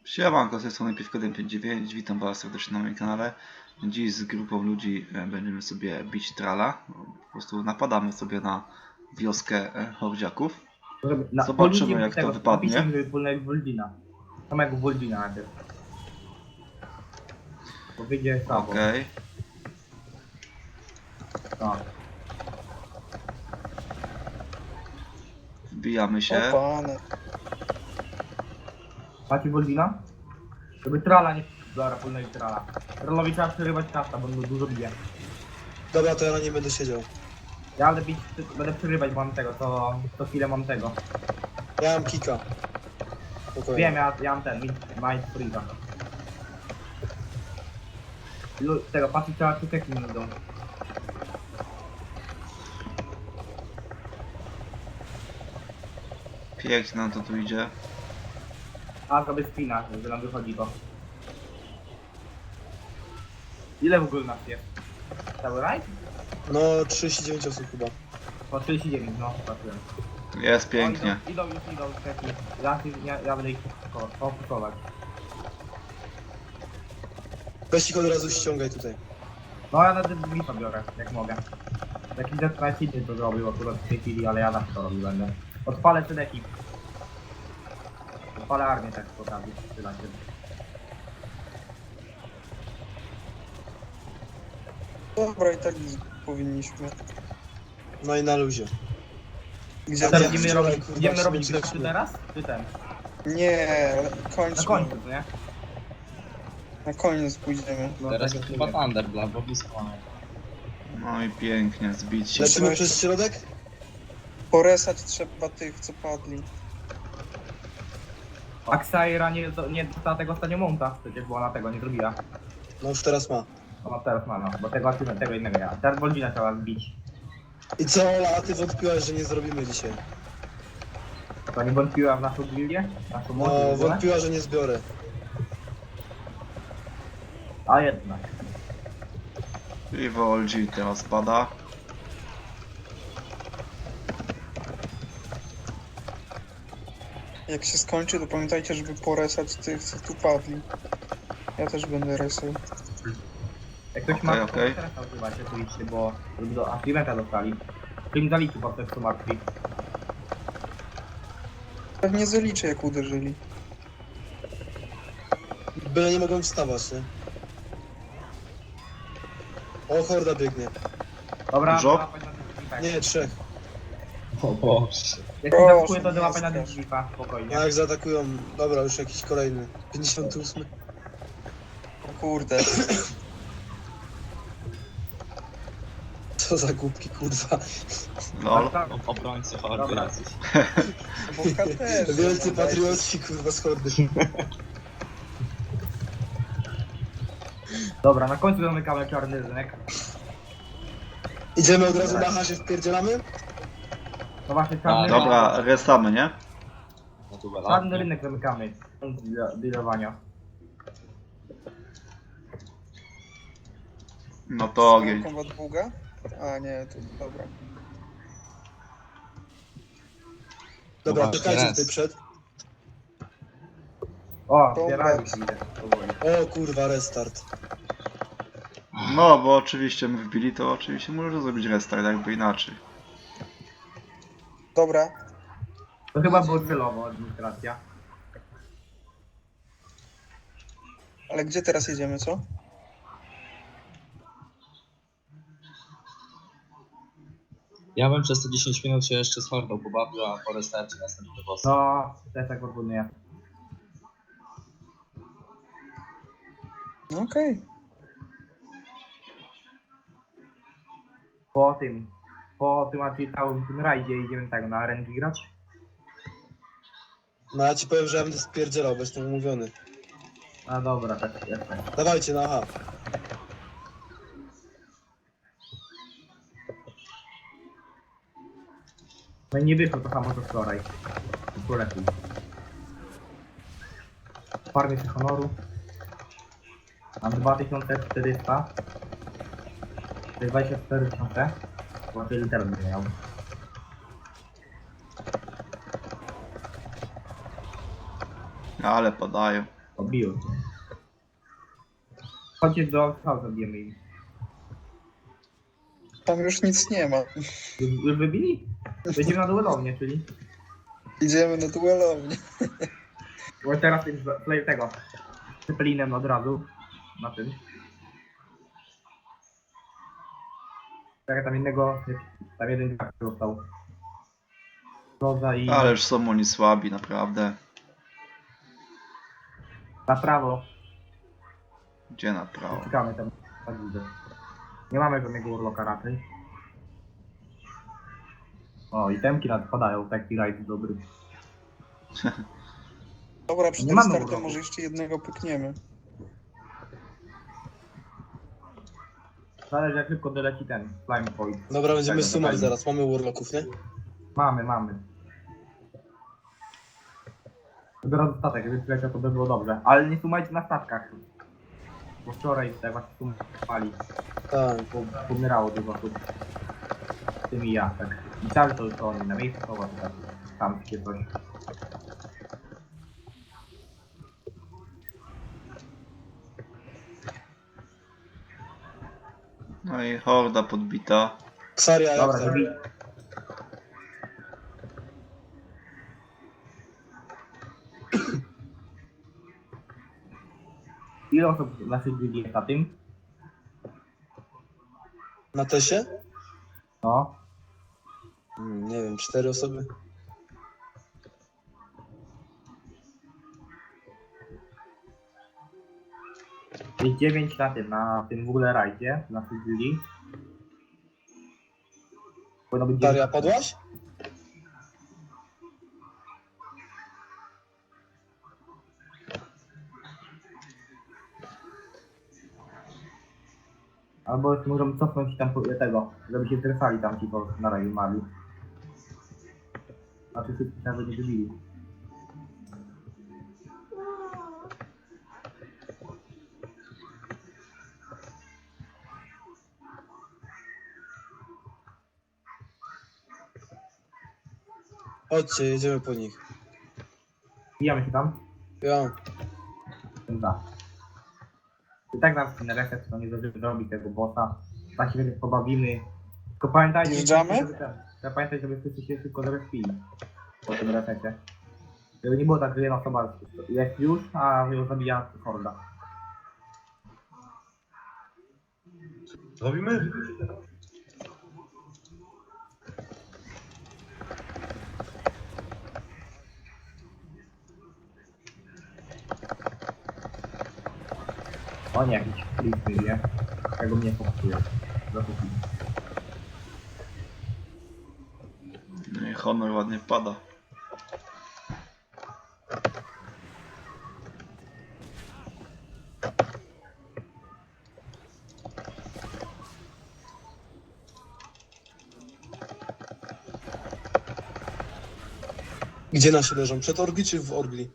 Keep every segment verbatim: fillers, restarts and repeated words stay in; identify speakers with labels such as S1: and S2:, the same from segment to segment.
S1: Siemanko, z tej strony Piwko jeden pięć dziewięć, witam was serdecznie na moim kanale. Dziś z grupą ludzi będziemy sobie bić trala. Po prostu napadamy sobie na wioskę hordziaków. Zobaczymy jak to wypadnie.
S2: Napiszmy wspólnego Woldina. Samego Woldina najpierw. Bo wyjdzie słabo.
S1: Okej.
S2: Tak.
S1: Wbijamy się.
S3: O panie.
S2: Macie Woldina? Żeby trala nie... Dobra, wspólnego trala. Trallowi trzeba przerywać kasta, bo on dużo bije.
S3: Dobra, to ja na nie będę siedział.
S2: Ja będę bić, będę przerywać, bo mam tego, to... to chwilę mam tego.
S3: Ja mam kika. Spokojnie.
S2: Wiem, ja, ja mam ten, Mind Freeza. Lu- Tego, patrzcie, trzeba tuteki mi idą.
S1: Pięknie nam to tu idzie.
S2: A, zrobię spina, że nam wychodzi to. Ile w ogóle nas jest? Cały rajd?
S3: No, trzydzieści dziewięć osób chyba.
S2: Po trzydzieści dziewięć, no, patrzyłem.
S1: Jest pięknie.
S2: O, idą, idą już, idą taki. Ja, ja, ja będę ich fokusować.
S3: Weź ich od razu ściągaj tutaj.
S2: No ja nawet blifa biorę, jak mogę. Jakiś Death City to zrobił akurat w tej chwili, ale ja tak to robił będę. Odpalę ten ekip. Odpalę armię tak po okazji, przyda się.
S3: Dobra, i tak powinniśmy. No i na luzie. Gdzie
S2: Teraz
S3: ja
S2: będziemy
S3: wczoraj,
S2: robić,
S3: kurwa,
S2: będziemy
S3: się
S2: robić
S3: będzie
S2: grafty
S3: śmiał.
S2: teraz? Czy ten?
S3: Nie, kończmy.
S2: Na końcu, co nie?
S3: Na koniec pójdziemy.
S2: No,
S4: Teraz
S2: tak
S4: jest
S2: jak
S4: chyba
S2: mówię.
S4: Thunder dla bo blisko mamy.
S1: No i pięknie, zbić się.
S3: Lecimy przez środek? Poresać trzeba tych, co padli.
S2: Aksaira nie, nie dostała tego ostatnio monta, przecież była na tego, nie zrobiła.
S3: No już teraz ma.
S2: Ona teraz ma, no, bo tego, tego innego ja. Teraz Woldina trzeba zbić.
S3: I co, Ola, a ty wątpiłaś, że nie zrobimy dzisiaj?
S2: To nie wątpiła w naszą gildię? Naszą moc w
S3: No,
S2: ogóle?
S3: wątpiła, że nie zbiorę.
S2: A jednak.
S1: I Woldzi teraz pada.
S5: Jak się skończy, to pamiętajcie, żeby poresać tych, co tu padli. Ja też będę resał.
S2: Jak ktoś
S1: Okej,
S2: ma, to
S1: okej.
S2: teraz używacie, to idźcie, bo żeby do Activenta dostali. To im zaliczy po prostu martwi.
S5: Pewnie zaliczę, jak uderzyli.
S3: Byle nie mogą wstawać, nie? O, horda biegnie.
S2: Dobra,
S1: Dużo?
S2: łapać na tych drzwiach.
S3: Nie, trzech.
S4: O Boże.
S2: Jak się
S5: Proszę,
S2: zaskuje, to
S5: nie
S2: łapać na tych
S5: strasz.
S2: drzwiach, spokojnie.
S3: A jak zaatakują... Dobra, już jakiś kolejny. pięćdziesiąty ósmy.
S5: O kurde.
S3: Co za głupki, kurwa.
S1: Lol.
S2: Tak,
S4: O- Obrońcy hordy
S2: Dobra.
S4: jacyś.
S5: Bo też.
S3: Wielcy patriotci, kurwa, z hordy.
S2: Dobra, na końcu zamykamy czarny rynek.
S3: Idziemy od razu na H się wpierdzielamy?
S2: No właśnie, czarny,
S1: Dobra, resamy, nie?
S4: No tu
S2: czarny rynek zamykamy. Do dealowania.
S1: No to ogień.
S5: Kombat długa? A nie, to dobra.
S3: Dobra,
S4: Właśnie,
S3: czekajcie
S4: raz.
S3: tutaj przed.
S2: O,
S5: Dobra.
S2: zbierają się idę, powoli.
S3: O kurwa, restart.
S1: No, bo oczywiście my wbili, to oczywiście może zrobić restart, jakby inaczej.
S5: Dobra.
S2: To chyba było celowo, administracja.
S5: Ale gdzie teraz jedziemy, co?
S4: Ja bym przez te dziesięć minut się jeszcze z hordą pobawił, a po restarcie następny boss.
S2: No, też tak proponuję.
S5: No okej.
S2: Po tym, po tym a całym tym rajdzie idziemy tak na R N G grać.
S3: No ja ci powiem, że ja będę spierdzielał, bo jestem umówiony.
S2: A dobra, tak jest.
S3: Dawajcie na H.
S2: No i nie wyszło to samo co wczoraj. To lepiej. Farmię się honoru. Mam dwa tysiące czterysta. To jest dwadzieścia cztery tysiące. Bo tyle teraz będę miał.
S1: Ale padają.
S2: Obił. Chodźcie do House, zabijemy ich.
S5: Tam już nic nie ma.
S2: Już, już wybili? Będziemy na duelownię, czyli...
S5: Idziemy na duelownię.
S2: Bo teraz tym play tego. Cyplinem od razu. Na tym. Tak, tam innego... Tam jeden gracz został. Roza i...
S1: Ależ są oni słabi, naprawdę.
S2: Na prawo.
S1: Gdzie na prawo?
S2: Czekamy tam. Tak widzę. Nie mamy żadnego urloka raczej. O, i temki nadpadają, taki rajd dobry.
S5: Dobra, przed
S2: Nie mamy
S5: restartem
S2: urlopu.
S5: może jeszcze jednego pykniemy.
S2: Zależy jak szybko doleci ten Flame Point.
S3: Dobra, będziemy
S2: Tego,
S3: sumać
S2: tego.
S3: zaraz, mamy urloków, nie?
S2: Mamy, mamy. Dopiero statek, gdyby przyleciał to by było dobrze. Ale nie sumajcie na statkach. Bo wczoraj tak właśnie sumowali.
S3: Tak.
S2: Bo pomierało dużo osób. W tym i ja, tak. Myślałem, że to, to oni na miejscu są, a tak tam takie coś.
S1: No i horda podbita.
S3: Ksaria, jak
S2: Dobra,
S3: tam?
S2: żeby... Ile osób w naszej gildii jest na tym?
S3: Na tesie?
S2: No.
S3: Hmm, nie wiem, cztery osoby?
S2: Jest dziewięć na tym, na tym w ogóle rajdzie, w naszej gildii. Powinno być
S3: Daria,
S2: dziewięć.
S3: padłaś?
S2: Albo jeszcze możemy cofnąć tam po- tego, żeby się zresali tam ci po na raju mali. Znaczy wszystkich nawet nie wybili.
S3: Chodźcie, jedziemy po nich.
S2: Bijamy się tam?
S3: Ja.
S2: Da. I tak nam na reset to nie zdążymy zrobić tego bossa. Tak się więc pobawimy. Tylko pamiętajcie,
S5: Wjeżdżamy?
S2: żeby ten- trzeba pamiętać, żeby wszyscy się szybko zrespili po tym resecie. Żeby nie było tak, że jedna osoba jest już, a ją zabija horda.
S6: Robimy?
S2: O nie, jakiś flip nie? Tego mnie fokusuje. Zakupi.
S1: No i honor ładnie pada.
S3: Gdzie nasi leżą? Przed Orgli czy w Orgli?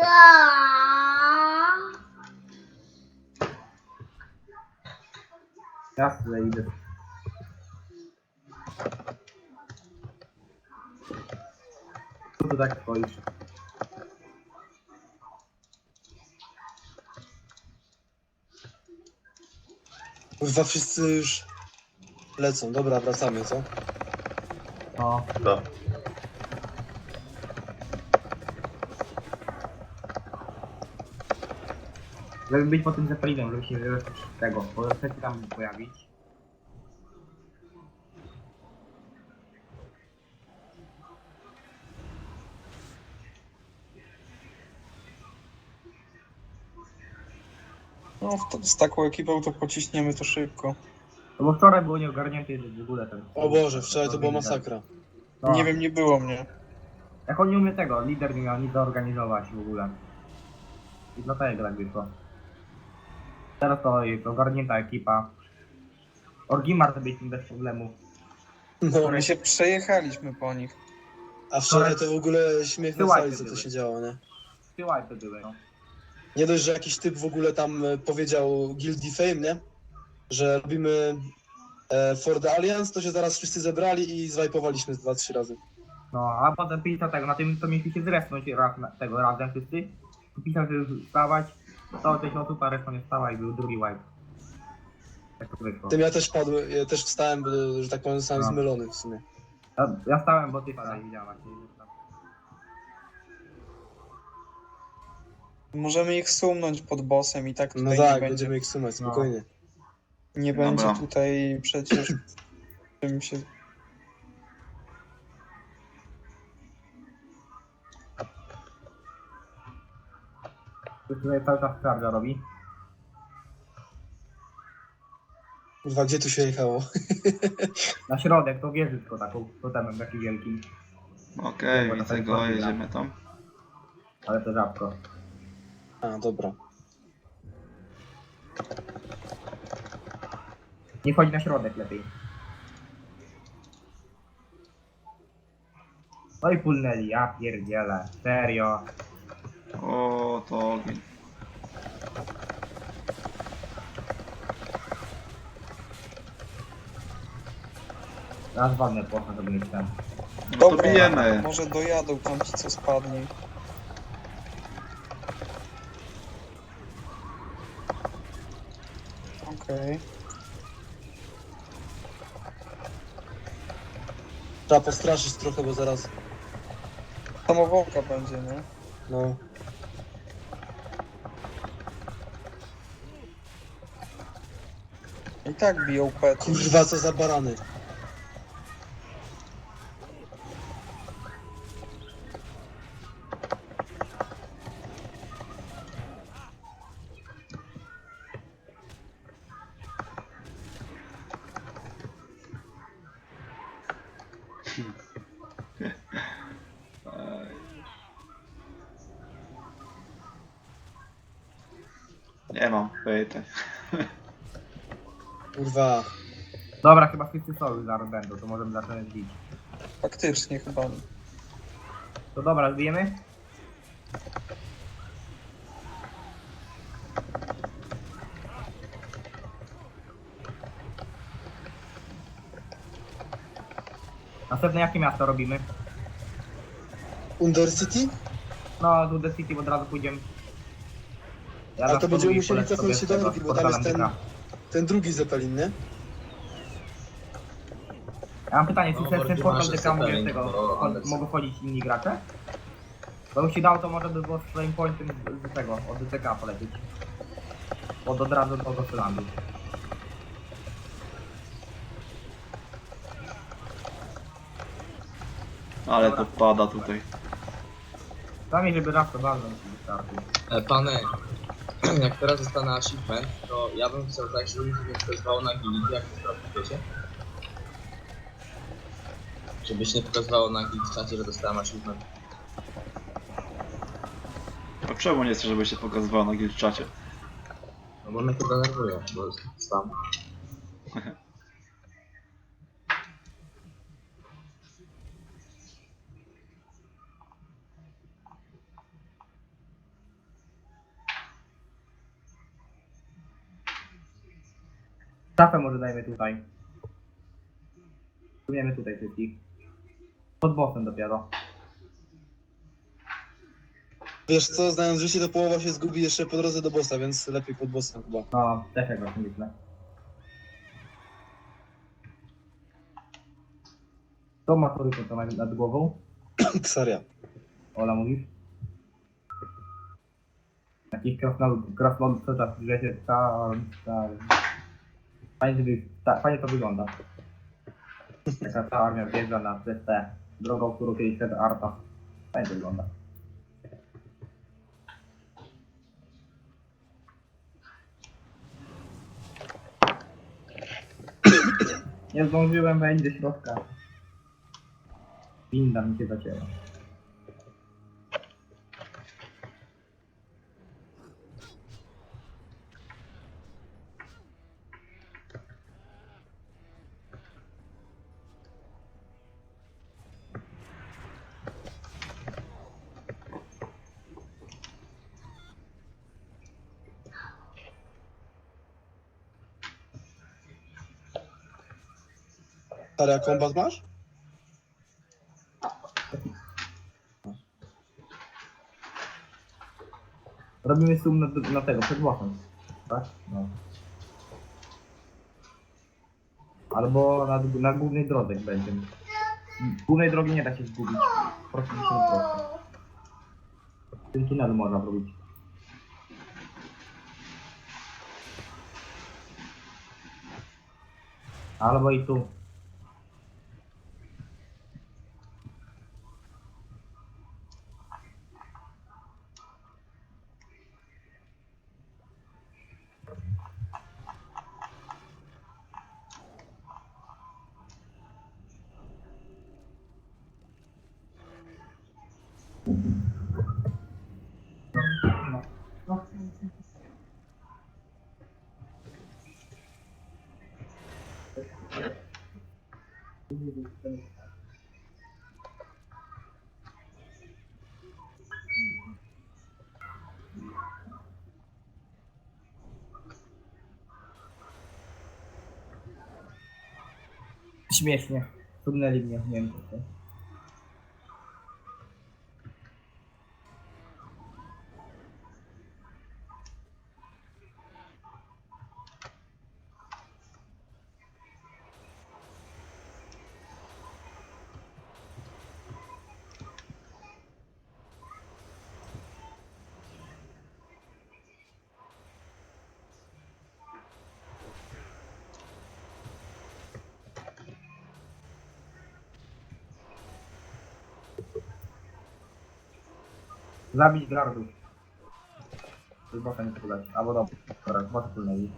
S2: Jasne, idę. Co tu tak stoisz?
S3: Chyba wszyscy już lecą. Dobra, wracamy, co?
S2: No,
S6: Da.
S2: żeby być po tym Zeppelinem, żeby się żeby tego, bo chcecie tam pojawić.
S5: No, w to, z taką ekipą to pociśniemy to szybko.
S2: No bo wczoraj było nieogarnięte w ogóle ten...
S3: O Boże, wczoraj to była masakra.
S2: No,
S5: Nie wiem, nie było mnie.
S2: jak on nie umie tego, lider nie miał nic zorganizować w ogóle. I dlatego tak wyszło. Teraz to jest ogarnięta ekipa. Orgimar sobie z tym bez problemu.
S3: No,
S5: My się przejechaliśmy po nich.
S3: a wczoraj to w ogóle śmiech na
S2: Wyłajcie
S3: sali, co to
S2: były.
S3: się działo, nie?
S2: Tyłaj to były, no.
S3: Nie dość, że jakiś typ w ogóle tam e, powiedział Guilty Fame, nie? Że robimy e, For the Alliance, to się zaraz wszyscy zebrali i zwajpowaliśmy z dwa, trzy razy.
S2: No, a potem pisał tego, na tym to mieliśmy się zresnąć raz na, tego razem wszyscy. pisał, że już wstawać, stało sześć osób, a reszta nie stała i był drugi wipe. Tak to wyszło.
S3: Tym ja też padłem, ja też wstałem, bo, że tak powiem, zostałem
S2: No.
S3: zmylony w sumie.
S2: Ja, ja stałem, bo ty wstałeś, widziałem. jak nie-
S5: Możemy ich sumnąć pod bossem i tak
S3: No
S5: tutaj
S3: tak,
S5: nie będzie,
S3: będziemy ich sumać,
S2: No.
S3: spokojnie.
S5: nie
S1: Dobra.
S5: będzie tutaj przecież czym się...
S2: Ktoś tutaj cały czas charge'a robi.
S3: Kurwa, gdzie tu się jechało?
S2: Na środek, to wieży tylko taką, totemem taki wielki,
S1: Okej,
S2: Dobra,
S1: widzę
S2: tak
S1: go,
S2: powiem,
S1: jedziemy tam.
S2: ale to rzadko.
S3: A, dobra.
S2: Nie wchodzi na środek lepiej. No i pulnęli, ja pierdzielę, serio.
S1: O, to ogień.
S2: Raz walnę płocha, żeby mieć ten.
S1: No to bijemy.
S5: może dojadą tam ci co spadnie. Okej.
S3: Trzeba postraszyć trochę, bo zaraz...
S5: Samowołka będzie, nie?
S3: No.
S5: I tak biją pety.
S3: Kurwa, co za barany.
S1: Nie mam pytań.
S3: Kurwa.
S2: Dobra, chyba wszyscy są już zaraz będą, to możemy zacząć bić.
S5: Faktycznie chyba.
S2: To dobra, zbijemy? Następne jakie miasto robimy?
S3: Undercity?
S2: No, do The City od razu pójdziemy. Ja
S3: Ale
S2: za
S3: to będziemy
S2: i
S3: musieli
S2: polecę
S3: cofnąć
S2: sobie
S3: się
S2: z
S3: do
S2: tego,
S3: drogi,
S2: z
S3: bo tam jest ten,
S2: portalem
S3: ten drugi Zeppelin, nie?
S2: Ja mam pytanie, czy
S4: No,
S2: ten, ten
S4: Borgi
S2: portal
S4: masz
S2: D K mogę z
S4: Zeppelin,
S2: tego,
S4: to
S2: chod-
S4: Anderson.
S2: mogą wchodzić inni gracze? Bo bym się dał, to może by było z flame pointem z, z tego, od D T K polecieć. Od od razu do Gotlandu.
S1: Ale to pada tutaj.
S2: Sami, żeby raz to walnąć i wystarczy.
S4: E, Pany, jak teraz dostanę achievement, to ja bym chciał tak, żeby mi się nie pokazywało na guild, jak to zrobić, wiecie? Żeby się nie pokazywało na guild czacie, że dostałem achievement.
S1: A czemu nie chcę, żeby się pokazywało na guild czacie?
S4: No bo mnie to denerwuje, bo jest spam.
S2: Stafę może dajmy tutaj. Spróbujemy tutaj wszystkich. Pod bossem dopiero.
S3: Wiesz co, znając życie, to połowa się zgubi jeszcze po drodze do bossa, więc lepiej pod bossem chyba.
S2: No, też jak właśnie myślę. To ma tory to nad, nad głową.
S3: Ksaria.
S2: Ola mówisz? Jakiś krasnolud, krasnolud co czas, że się tam, tam. Fajnie, żeby, ta, fajnie to wygląda. Taka ta armia wjeżdża na przez tę drogą, którą kiedyś szedł Arta. Fajnie to wygląda. Nie zdążyłem wejść do środka. Winda mi się zacięła.
S3: Ksaria, kombat masz?
S2: Robimy sum na, na tego, przed bossem. Tak? No. Albo na, na głównej drodze jak będzie. Głównej drogi nie da się zgubić. Po prostu musimy prosto. W tym tunelu można robić. Albo i tu. Śmiesznie. Trudnęli mnie, nie wiem co to. Zabić gardów. To jest bossa nie podać. Albo dobra, dobra, bossa tulnęli.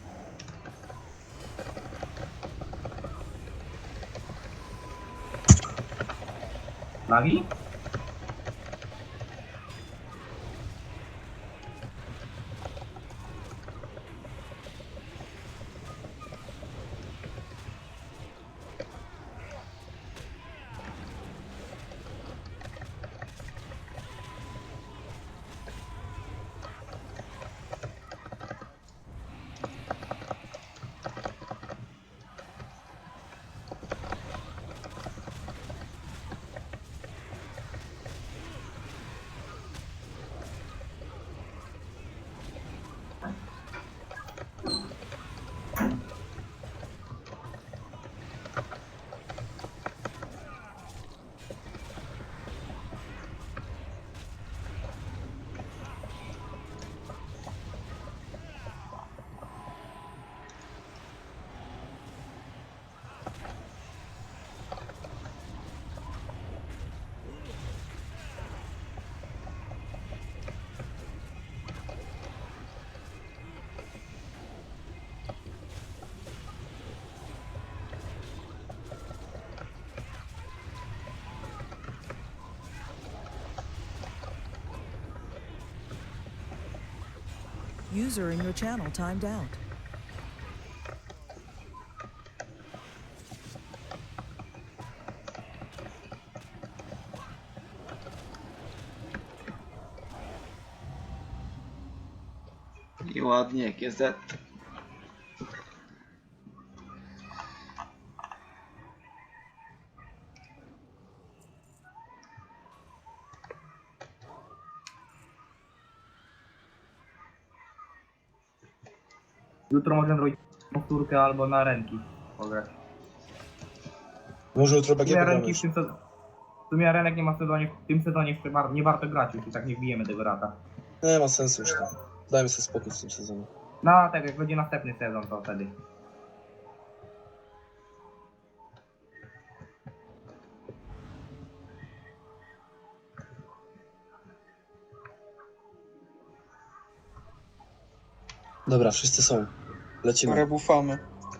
S2: Lagi?
S6: User in your channel timed out.
S1: I ładnie, G Z.
S2: Jutro możemy zrobić powtórkę albo na ręki pograć.
S3: Może jutro
S2: W
S3: B G
S2: sumie
S3: pogramy
S2: ręki
S3: już.
S2: w tym sezonie... W sumie arenek nie ma w sezonie, w tym sezonie jeszcze bar- nie warto grać już i tak nie wbijemy tego rata.
S3: Nie ma sensu już to. Dajmy sobie spokój w tym sezonie.
S2: No tak, jak będzie następny sezon to wtedy.
S3: Dobra, wszyscy są. Lecimy.
S5: Rebufamy.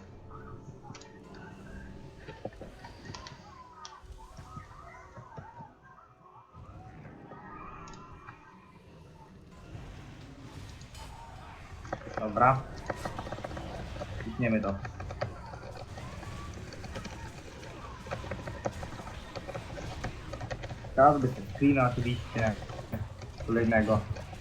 S2: Dobra. Klikniemy to. Każdy się screena oczywiście. Kolejnego.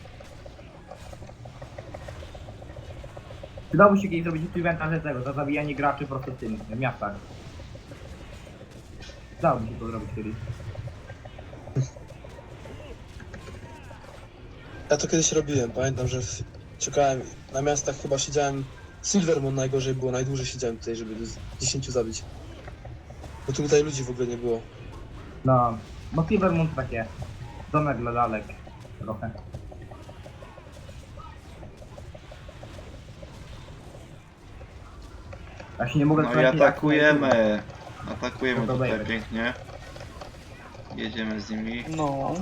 S2: Przydałoby się kiedyś zrobić eventa z tego, za zabijanie graczy po prostu w tym, w miastach. Przydałoby się to zrobić kiedyś.
S3: Ja to kiedyś robiłem, pamiętam, że w- czekałem na miastach, chyba siedziałem, Silvermon najgorzej było, najdłużej siedziałem tutaj, żeby z dziesięciu zabić. Bo tutaj ludzi w ogóle nie było.
S2: No, bo Silvermoon to takie domek dla lalek trochę. Ja się nie mogę
S1: No i
S2: skończyć, jak
S1: atakujemy. Atakujemy
S2: No to
S1: tutaj
S2: dajmy.
S1: pięknie. Jedziemy z nimi.
S5: No.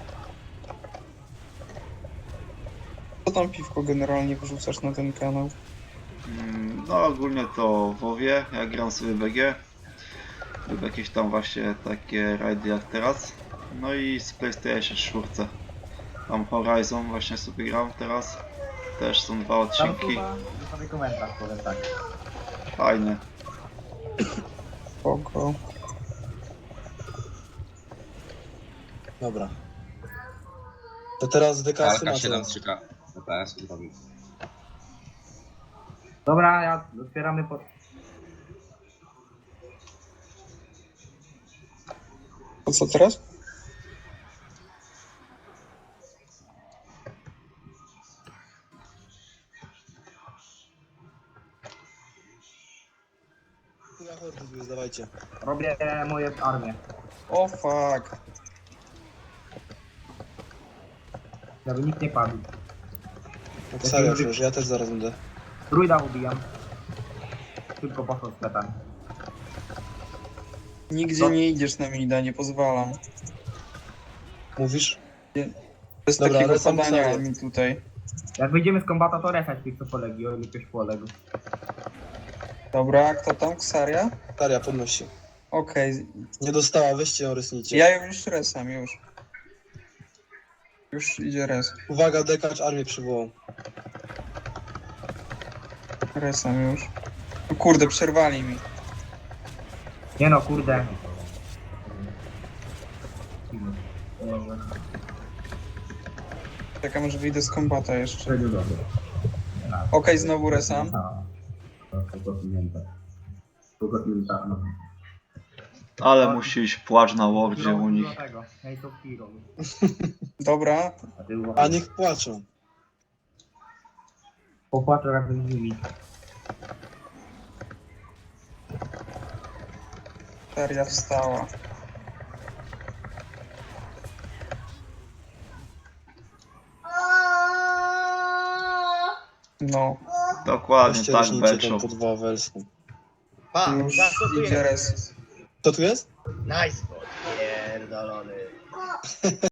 S5: Co tam piwko generalnie wrzucasz na ten kanał?
S1: Mm, No ogólnie to WoWie, ja gram sobie B G lub jakieś tam właśnie takie rajdy jak teraz. No i z PlayStation cztery. Tam Horizon właśnie sobie gram teraz. Też są dwa
S2: Tam
S1: odcinki.
S2: chyba sobie komentarz, powiem tak.
S1: Fajne.
S5: Spoko.
S3: Dobra. To teraz D K S
S4: Kalka
S3: macie.
S4: siedem trzy K F P S zrobił.
S2: Dobra, ja otwieramy pod...
S5: To co teraz?
S3: Ja hordy zdawajcie.
S2: Robię moje armię.
S5: O fuck.
S2: Żeby nikt nie padł.
S3: No serio, przecież ja też zaraz będę.
S2: Druida ubijam. Tylko poszło z petami.
S5: Nigdzie
S2: No.
S5: nie idziesz na mida, nie pozwalam.
S3: Mówisz?
S5: Bez
S3: Dobra,
S5: takiego
S3: ale sam
S5: padania
S3: sobie.
S5: mi tutaj.
S2: Jak wyjdziemy z kombata, to resać tych, co polegli, o ile ktoś poległ.
S5: Dobra, kto tam? Ksaria?
S3: Taria, podnosi.
S5: Okej.
S3: Nie dostała, weźcie ją, rysnijcie.
S5: Ja ją już resam, już. Już idzie res.
S3: Uwaga, dekacz armię przywołał.
S5: Resam już. O kurde, przerwali mi.
S2: Nie no, kurde.
S5: Czekam, że wyjdę z kombata jeszcze. Okej, znowu resam.
S1: Ale musi iść płacz na Wordzie u nich.
S2: Tego. Hej, to Hero.
S5: Dobra,
S2: A ty uważaj.
S3: A niech płaczą.
S2: Popłaczę razem z nimi.
S5: Ksaria wstała. No,
S1: Dokładnie
S3: Weźcie
S1: tak,
S3: rysnijcie tą
S1: Beczop.
S3: po dwa welską.
S7: Pa,
S5: już
S7: za co tu
S5: idzie
S7: jest?
S5: res.
S3: To tu jest?
S7: Nice, pierdolony.